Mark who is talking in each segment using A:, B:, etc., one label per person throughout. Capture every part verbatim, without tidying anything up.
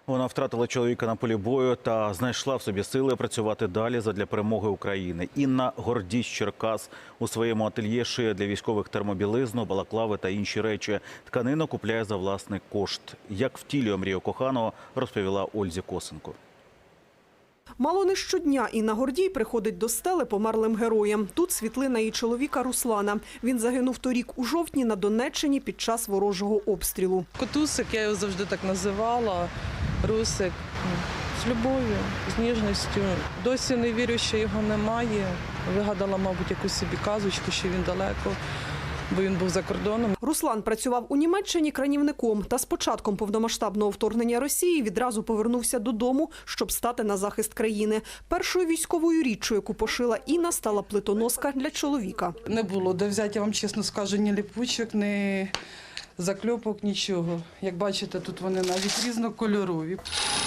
A: Вона втратила чоловіка на полі бою та знайшла в собі сили працювати далі задля перемоги України. Інна Гордій з Черкас у своєму ательє шиє для військових термобілизну, балаклави та інші речі. Тканину купляє за власний кошт. Як втілює мрію коханого, розповіла Ользі Косенко.
B: Мало не щодня Інна Гордій приходить до стели померлим героям. Тут світлина її чоловіка Руслана. Він загинув торік у жовтні на Донеччині під час ворожого обстрілу.
C: Котусик, я його завжди так називала, Русик. З любов'ю, з ніжністю. Досі не вірю, що його немає. Вигадала, мабуть, якусь собі казочку, що він далеко, бо він був за кордоном.
B: Руслан працював у Німеччині кранівником та з початком повномасштабного вторгнення Росії відразу повернувся додому, щоб стати на захист країни. Першою військовою річчю, яку пошила Інна, стала плитоноска для чоловіка.
C: Не було де взяти, я вам чесно скажу, ні ліпучок, ні закльопок, нічого. Як бачите, тут вони навіть різнокольорові.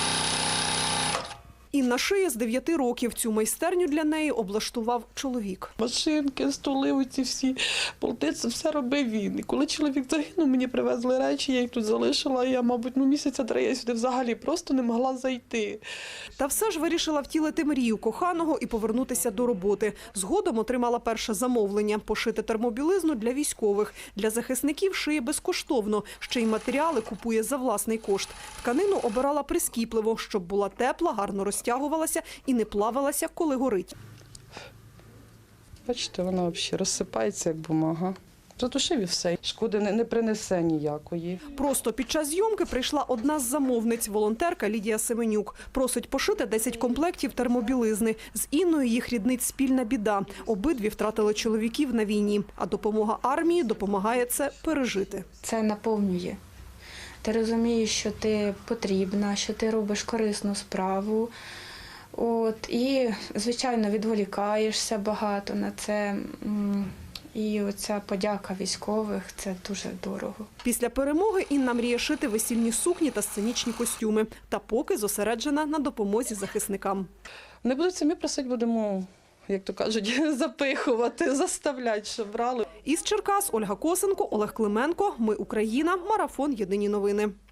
B: Інна шиє з дев'яти років. Цю майстерню для неї облаштував чоловік.
C: Машинки, столи, оці всі полти, це все робив він. І коли чоловік загинув, мені привезли речі, я їх тут залишила. І я, мабуть, ну, місяця три я сюди взагалі просто не могла зайти.
B: Та все ж вирішила втілити мрію коханого і повернутися до роботи. Згодом отримала перше замовлення – пошити термобілизну для військових. Для захисників шиє безкоштовно, ще й матеріали купує за власний кошт. Тканину обирала прискіпливо, щоб була тепла, гарно розтягувалася і не плавалася, коли горить.
C: Бачите, вона взагалі розсипається, як бумага. Затушив і все. Шкоди не, не принесе ніякої.
B: Просто під час зйомки прийшла одна з замовниць – волонтерка Лідія Семенюк. Просить пошити десять комплектів термобілизни. З Інною їх ріднить спільна біда. Обидві втратили чоловіків на війні. А допомога армії допомагає це пережити.
D: Це наповнює. Ти розумієш, що ти потрібна, що ти робиш корисну справу. От, і, звичайно, відволікаєшся багато на це. І оця подяка військових – це дуже дорого.
B: Після перемоги Інна мріє шити весільні сукні та сценічні костюми. Та поки зосереджена на допомозі захисникам.
C: Не будуть самі просити, будемо, як то кажуть, запихувати, заставляти, щоб брали.
B: Із Черкас Ольга Косенко, Олег Клименко. Ми Україна. Марафон. Єдині новини.